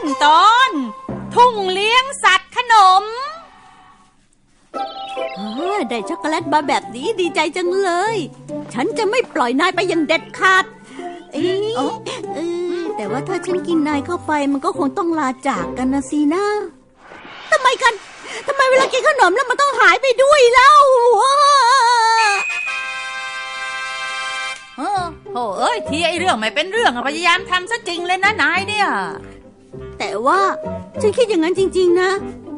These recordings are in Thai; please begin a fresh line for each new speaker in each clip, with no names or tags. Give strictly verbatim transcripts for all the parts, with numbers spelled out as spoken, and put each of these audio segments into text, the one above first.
ตอนทุ่งเลี้ยงสัตว์ขนม
ได้ช็อกโกแลตมาแบบนี้ดีใจจังเลยฉันจะไม่ปล่อยนายไปอย่างเด็ดขาดเอ๊ะเออแต่ว่าถ้าฉันกินนายเข้าไปมันก็คงต้องลาจากกันนะสินะทำไมกันทำไมเวลากินขนมแล้วมันต้องหายไปด้วยเล่า
เออโอ้เอ้ยที่ไอเรื่องไม่เป็นเรื่องพยายามทำซะจริงเลยนะนายเนี่ย
แต่ว่าฉันคิดอย่างนั้นจริงๆนะ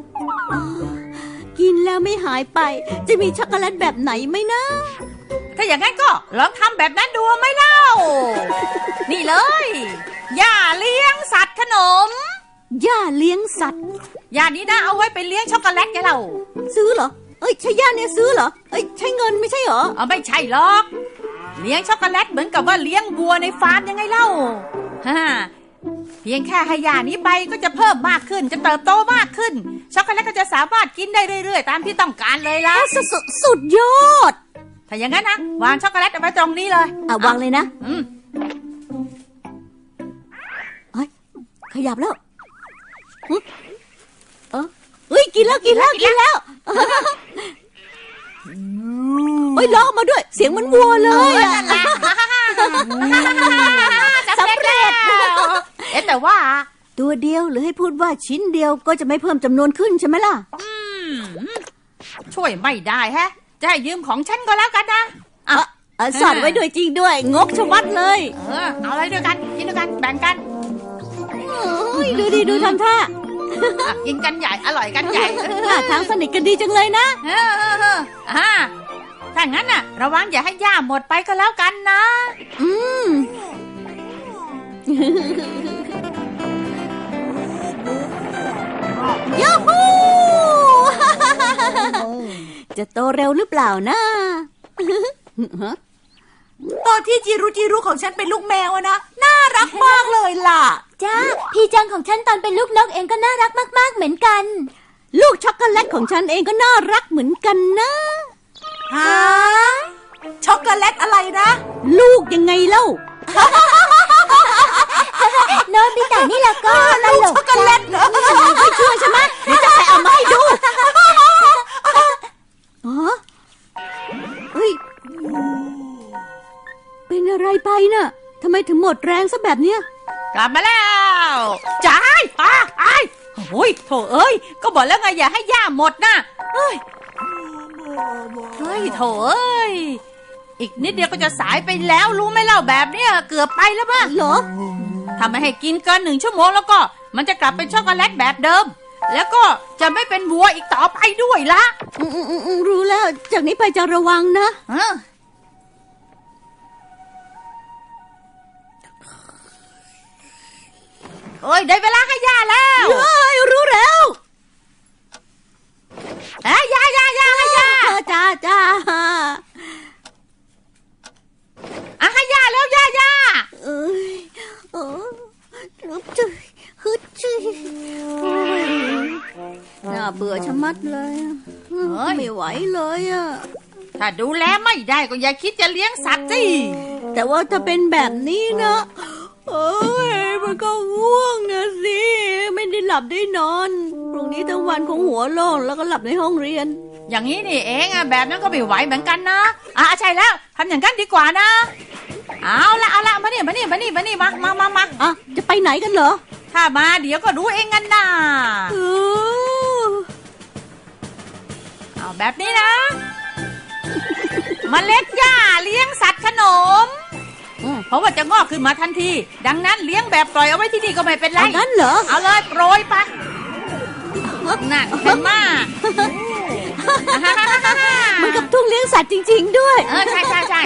กินแล้วไม่หายไปจะมีช็อกโกแลตแบบไหนไหมนะ
ถ้าอย่างนั้นก็ลองทำแบบนั้นดูไหมเล่า นี่เลยย่าเลี้ยงสัตว์ขนม
ย่าเลี้ยงสัตว์
ย่านี้นะเอาไว้ไปเลี้ยงช็อกโกแลตไงเรา
ซื้อเหรอเอ้ยใช่ย่าเนี่ยซื้อเหรอเอ้ยใช้เงินไม่ใช่เหรอ
อ๋อไม่ใช่หรอกเลี้ยงช็อกโกแลตเหมือนกับว่าเลี้ยงวัวในฟาร์มยังไงเล่าฮ่าเพียงแค่ให้ย่านี้ไปก็จะเพิ่มมากขึ้นจะเติบโตมากขึ้นช็อกโกแลตก็จะสามารถกินได้เรื่อยๆตามที่ต้องการเลยล่ะ
สุดสุดยอด
ถ้าอย่างนั้นนะวางช็อกโกแลตเอาไว้ตรงนี้เลย
อ่ะวางเลยนะ
อืม
เฮ้ยขยับแล้วเออเฮ้ยกินแล้วกินแล้วกินแล้วเฮ้ยร้องมาด้วยเสียงมันวัวเลยอ่ะ
สำเร็จเอ๊ะแต่ว่า
ตัวเดียวหรือให้พูดว่าชิ้นเดียวก็จะไม่เพิ่มจำนวนขึ้นใช่ไหมล่ะ
อืมช่วยไม่ได้แฮะจะให้ยืมของฉันก็แล้วกันนะ
อ่ะสอดไว้ด้วยจริงด้วยงกชะมัดเลย
เออเอาอะไรด้วยกันกินด้วยกันแบ่งกัน
ดูดิดูทำท่า
กินกันใหญ่อร่อยกันใหญ่
ทางสนิทกันดีจังเลยนะ
เอออ่าถ้างั้นน่ะระวังอย่าให้ย่าหมดไปก็แล้วกันนะ
อืมยูฮูจะโตเร็วหรือเปล่านะ
ตอนที่จิรุจิรุของฉันเป็นลูกแมวนะน่ารักมากเลยล่ะ
จ้าพี่จังของฉันตอนเป็นลูกนกเองก็น่ารักมากๆเหมือนกัน
ลูกช็อกโกแลตของฉันเองก็น่ารักเหมือนกันนะ
ฮะช็อกโกแลตอะไรนะ
ลูกยังไงเล่า
โนบิตะนี่ละก็ตลก
ช็อกโกแลตเหรอ
ไม่เชื่อใช่ไหมเดี๋ยวจะไปเอามาให้ดูอ๋อเฮ้ยเป็นอะไรไปน่ะทำไมถึงหมดแรงซะแบบเนี้ย
กลับมาแล้วจ้ายอ่ะไอ้โอ้ยโถเอ้ยก็บอกแล้วไงอย่าให้ย่าหมดนะเฮ้ยเฮ้ยโถเอ้ยอีกนิดเดียวก็จะสายไปแล้วรู้ไหมเล่าแบบเนี้ยเกือบไปแล้วป่ะ
เหรอ
ทำไม่ให้กินเกินหนึ่งชั่วโมงแล้วก็มันจะกลับเป็นช็อกโกแลตแบบเดิมแล้วก็จะไม่เป็นวัวอีกต่อไปด้วยละ
อืมอืมรู้แล้วจากนี้ไปจะระวังนะ
โอ้ยได้เวลาให้ย่าแล้ว
เฮ้ยรู้แล้ว
เอ้ยย่าย่าย่าให้ย่า
จ้าจ้า
อ่ะให้ย่าแล้วย่าย่า
เอ้ยเออฮึดจุฮึดจุน่าเบื่อชะมัดเลยไม่ไหวเลยอ่ะ
ถ้าดูแลไม่ได้ก็อย่าคิดจะเลี้ยงสัตว์สิ
แต่ว่าถ้าเป็นแบบนี้นะเอ้ยมันก็ง่วงนะสิไม่ได้หลับได้นอนพรุ่งนี้ทั้งวันคงหัวโล่งแล้วก็หลับในห้องเรียน
อย่างนี้นี่เองอ่ะแบบนั้นก็ไม่ไหวเหมือนกันนะอ่ะใช่แล้วทำอย่างนั้นดีกว่านะเอาละเอาละมานี่มานี่มานี่มานี่มามามามา
อ่ะจะไปไหนกันเหรอ
ถ้ามาเดี๋ยวก็รู้เองกันนะเอาแบบนี้นะเมล็ดหญ้าเลี้ยงสัตว์ขนมเพราะว่าจะงอกขึ้นมาทันทีดังนั้นเลี้ยงแบบปล่อยเอาไว้ที่นี่ก็ไม่เป็นไร
งั้นเหรอ
เอาเลยโปรยไปนั่นเห็นมาก
เหมือนกับทุ่งเลี้ยงสัตว์จริงๆด้วย
เออใช่ใช่ใช่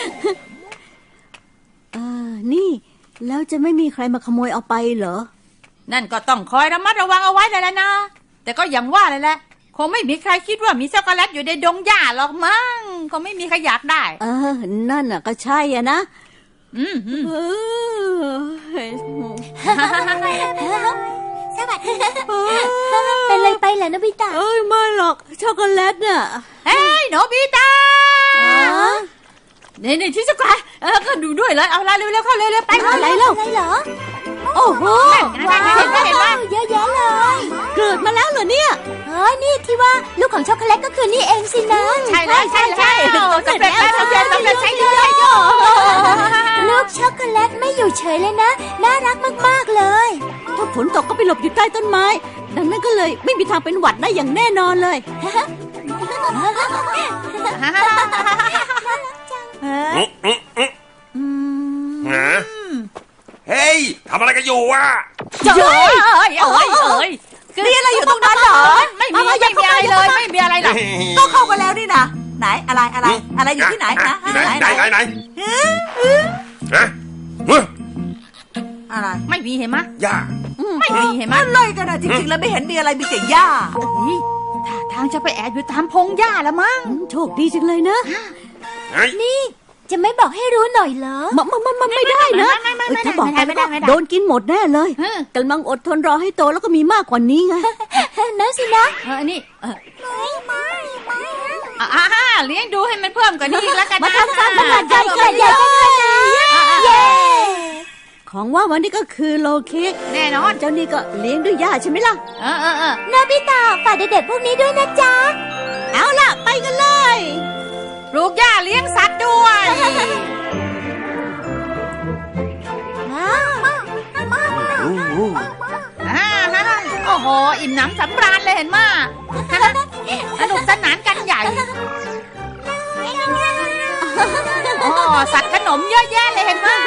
อ่านี่แล้วจะไม่มีใครมาขโมยเอาไปเหรอ
นั่นก็ต้องคอยระมัดระวังเอาไว้เลยแหละนะแต่ก็อย่างว่าเลยแหละคงไม่มีใครคิดว่ามีช็อกโกแลตอยู่ในดงหญ้าหรอกมั้งคงไม่มีใครอยากได้
เออนั่นน่ะก็ใช่อ่ะนะ
อืม
สวัสดีเป็นอะไรไปล่ะโนบิตะ
เอ้ยไม่หรอกช็อกโกแลตน่ะ
เฮ้ยโนบิตะนี่นี่ชิซุกะเออก็ดูด้วยเลยเอาละเร็วๆเข้าเร็วๆไป
อะไรเล่าอะไรเหรอ
โอ้โห
ว้าวเห็นไหมเห็นไหม
เยอะแยะเลย
เกิดมาแล้วเหรอเนี่ย
เฮ้ยนี่ที่ว่าลูกของช็อกโกแลตก็คือนี่เองสินะ
ใช่แล้วใช่แล้วสำเร็จแล้วสำเร็จสำเร็จใช้ได้
ลูกช็อกโกแลตไม่อยู่เฉยเลยนะ น่ารักมากๆเลย
ถ้าฝนตกก็ไปหลบอยู่ใต้ต้นไม้ ดังนั้นก็เลยไม่มีทางเป็นหวัดได้อย่างแน่นอนเลย
อืมอืมอืมฮะเฮ้ยทำอะไรกันอยู่วะ
เอ้ยเอ้ยเอ้ยเอ้ย
มีอะไรอยู่ตรงนั้นเหรอ
ไม่มีไม่มีอะไรเลยไม่มีอะไรหรอก
ก็เข้ามาแล้วนี่นะไหนอะไรอะไรอะไรอยู่ที่ไหนนะ
ที่ไหนไหนไหนไหนฮะ
อะไร
ไม่มีเห็นไหม
ย่า
ไม่มีเห็นไหม
อะไรกันนะจริงๆแล้วไม่เห็นมีอะไรมีแต่หญ้า
เฮ้ยท่าทางจะไปแอบอยู่ตามพงหญ้าละมั้ง
โชคดีจังเลยนะ
เฮ้ย
นี่จะไม่บอกให้รู้หน่อยเหรอ
มันมันมันไม่ได้นะเอ้ยถ้าบอกไปแล้วก็โดนกินหมดแน่เลยกำลังอดทนรอให้โตแล้วก็มีมากกว่านี้ไง
นั่นสินะ
เออนี่เอออ่าฮ่าเลี้ยงดูให้มันเพิ่มกว่านี้อีกแล้วกันนะ
มาทำการตลาดใหญ่
ใหญ่ใหญ่เย้
ของว่าวันนี้ก็คือโลเค้ก
แน่นอน
เจ้านี่ก็เลี้ยงด้วยย่าใช่ไหมล่ะ
เออเออเออ
นาบิตาฝากเด็กๆพวกนี้ด้วยนะจ๊ะ
เอาล่ะไปกันเลย
ปลูกหญ้าเลี้ยงสัตว์ด้วย อ่าฮะโอ้โห อิ่มหนำสำราญเลยเห็นมาสนุกสนานกันใหญ่โอ้สัตว์ขนมเยอะแยะเลยเห็นมา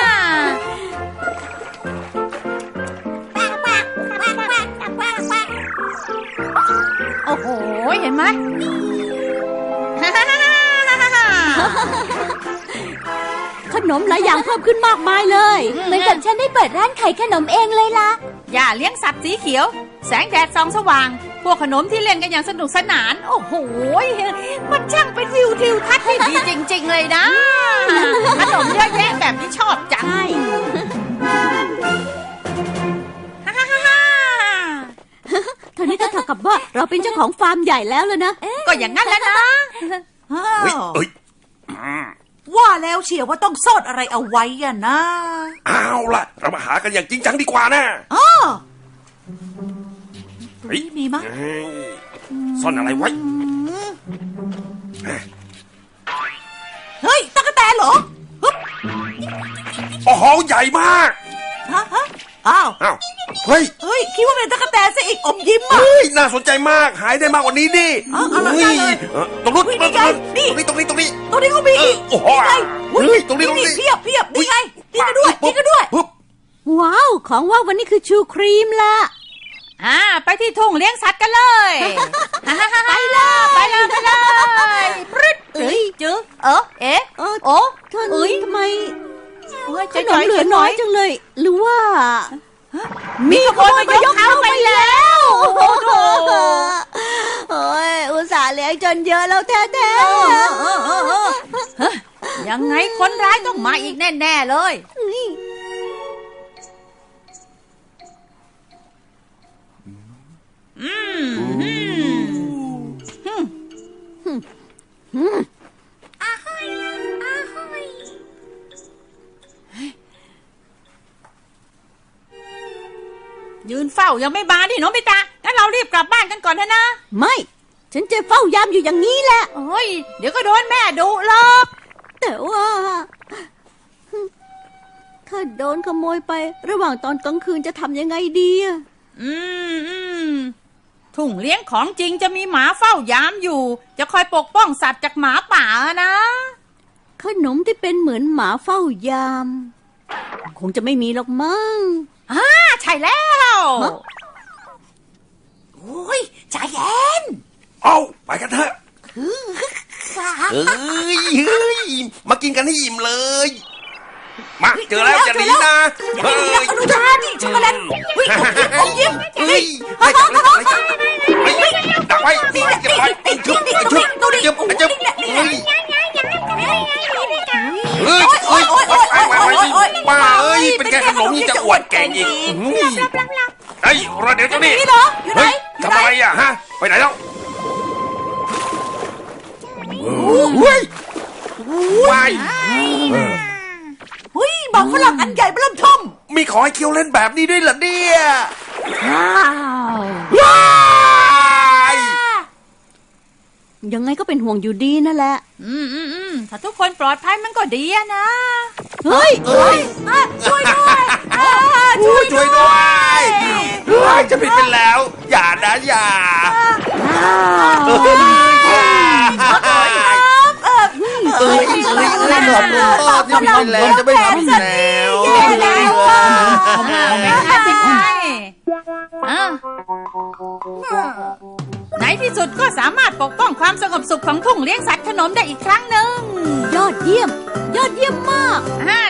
โอ้โห เห็นไหม
ขนมหลายอย่างเพิ่มขึ้นมากมายเลย
เหมือนกับฉันได้เปิดร้านขายขนมเองเลยล่ะ
อย่าเลี้ยงสัตว์สีเขียว แสงแดดส่องสว่าง พวกขนมที่เล่นกันอย่างสนุกสนาน โอ้โห มันช่างเป็นวิวทิวทัศน์ที่ดีจริง ๆ เลยนะ ขนมเยอะแยะแบบนี้ชอบจัง
ใช่
ฮ่าฮ่าฮ่าฮ่า
เท่านี้ก็เท่ากับว่าเราเป็นเจ้าของฟาร์มใหญ่แล้วเลยนะ
ก็อย่างนั้นแหล้วนะ
อ้า
เฮ้ยว เอ้ย
ว่าแล้วเชียวว่าต้องซ่อนอะไรเอาไว้อะนะ
เอาล่ะ เรามาหากันอย่างจริงจังดีกว่านะ
อ๋อ
เฮ้ย
มีมั้ย
เฮ้ยซ่อนอะไรไว้
เฮ้ยตั๊กแตนเหรอฮึบ
โอ้โหใหญ่มาก
ฮะฮะอ้าว
อ้าวเฮ้ย
เฮ้ยคิดว่าเป็นตั๊กแตนซะอีกอมยิ้มอ่ะ
เฮ้ยน่าสนใจมากหายได้มากกว่านี้ดิ
เอาเอาเอา
เฮ้ย
เอาเลย
เออตรงนู้น
เฮ้ย
ตรง
นี่
นู้น
ไงนี่
ตรงนี้ตรงนี้ตรงนี้
ตรงนี้ก็มีอีก
เออโอ้โห
นี่ไง
เฮ้ยตรงนี้ตรงนี้
เพียบเพียบนี่ไงนี่ก็ด้วยนี่ก็ด้วย
ปุ๊บ
ว้าว ของว่าวันนี้คือชูครีมละ
อ่า ไปที่ทุ่งเลี้ยงสัตว์กันเลยไปเลยไปเลยไปเลยปรึ๊ดเอ้ยจื้อเออเอ๊ะ
เออ
โอ้
ท่าน
เอ้ย
ทำไม
โอ้ย
ขนมเหลือน้อยจังเลย หรือว่า
มีขโมยมายกเข้าไปแล้ว โอ้โห
โอ้ยอุตส่าห์เลี้ยงจนเยอะแล้วแท้
เออเออเออเออเฮ้ยยังไงคนร้ายต้องมาอีกแน่ๆเลย
ๆ
อืมอืมยืนเฝ้ายังไม่มาดิโนบิตะงั้นเรารีบกลับบ้านกันก่อนเถอะนะ
ไม่ ฉันจะเฝ้ายามอยู่อย่างนี้แหละ
โอ้ยเดี๋ยวก็โดนแม่ดุหรอก
แต่ว่า ถ้าโดนขโมยไประหว่างตอนกลางคืนจะทำยังไงดีอะ
อืมอืมทุ่งเลี้ยงของจริงจะมีหมาเฝ้ายามอยู่ จะคอยปกป้องสัตว์จากหมาป่านะ
ขนมที่เป็นเหมือนหมาเฝ้ายาม คงจะไม่มีหรอกมั้ง
อ่าใช่แล้ว
ฮะ
โอ้ยใจเย็น
เอาไปกันเถอะเฮ้ยเฮ้ยมากินกันให้อิ่มเลย มาเจอแล้วจะหนีนะเฮ้ย
อนุชาดิช็อกโกแลตเฮ้ยอมยิ้มอมยิ้ม
เฮ้ยให้จับเลยเฮ้ยดักไว้นี่เก็บไว้ชุบชุบเก็บเก็บเฮ้ยเฮ้ยเฮ้ยป้าเอ้ยเป็นแค่ขนมยังจะอวดเก่งอีกเฮ้ยรอเดี๋ยวเจ้านี่
นี่เหรออยู่ไหน
เฮ้ยทำอะไรอ่ะฮะไปไหนแล้วเฮ้ยว้าย
เฮ้ยบอกฝรั่งอันใหญ่เริ่มทม
มีขอให้เคียวเล่นแบบนี้ด้วยเหรอเนี่ย
ว้าว
ว้าย
ยังไงก็เป็นห่วงอยู่ดีนั่นแหละ
อืมอืมอืมถ้าทุกคนปลอดภัยมันก็ดีอะนะ
เฮ้ย
เอ้ย
ช่วยด้วย
ช่วยช่วยด้วยว้ายจะผิดไปแล้ว อย่านะอย่าเอ้ยเอ้ยเอ้ยเอ้ยขอโทษที่ผิดไปแล้วจะไม่ทำอีกแล้ว
แย่แล้วอ่ะ
ไม่น่าจริงไงอ่ะในที่สุดก็สามารถปกป้องความสงบสุขของทุ่งเลี้ยงสัตว์ขนมได้อีกครั้งหนึ่ง
ยอดเยี่ยม ยอดเยี่ยมมาก
อ่า